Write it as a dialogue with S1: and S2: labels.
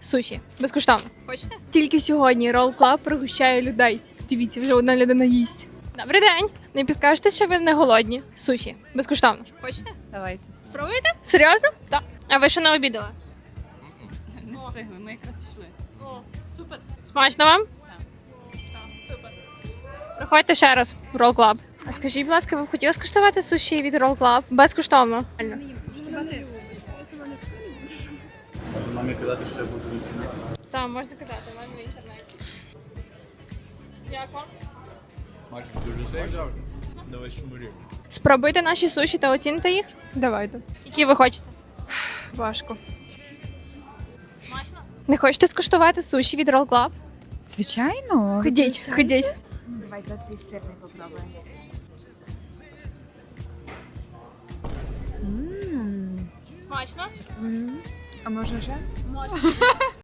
S1: суші. Безкоштовно. Хочете? Тільки сьогодні Roll Club пригощає людей. Дивіться, вже одна людина їсть. Добрий день. Не підкажете, що ви не голодні? Суші. Безкоштовно. Хочете?
S2: Давайте.
S1: Спробуєте? Серйозно? Так. А ви ще не обідали?
S2: Не встигли, ми якраз йшли.
S1: О, супер. Смачно вам? Так, супер. Приходьте ще раз в Roll Club. А скажіть, будь ласка, ви б хотіли скуштувати суші від Roll Club? Безкоштовно.
S3: Може мамі казати, що я буду в інтернеті?
S1: Так, можна казати, в мене в інтернеті. Як вам?
S3: Майже дуже смачно. Давай шумурі.
S1: Спробуйте наші суші та оціните їх.
S2: Давайте.
S1: Які ви хочете?
S2: Важко.
S1: Не хочете скуштувати суші від Roll Club?
S4: Звичайно.
S1: Ходіть, ходіть.
S4: Давайте цей сирний попробуємо.
S1: Смачно?
S4: А можна ще?
S1: Можна.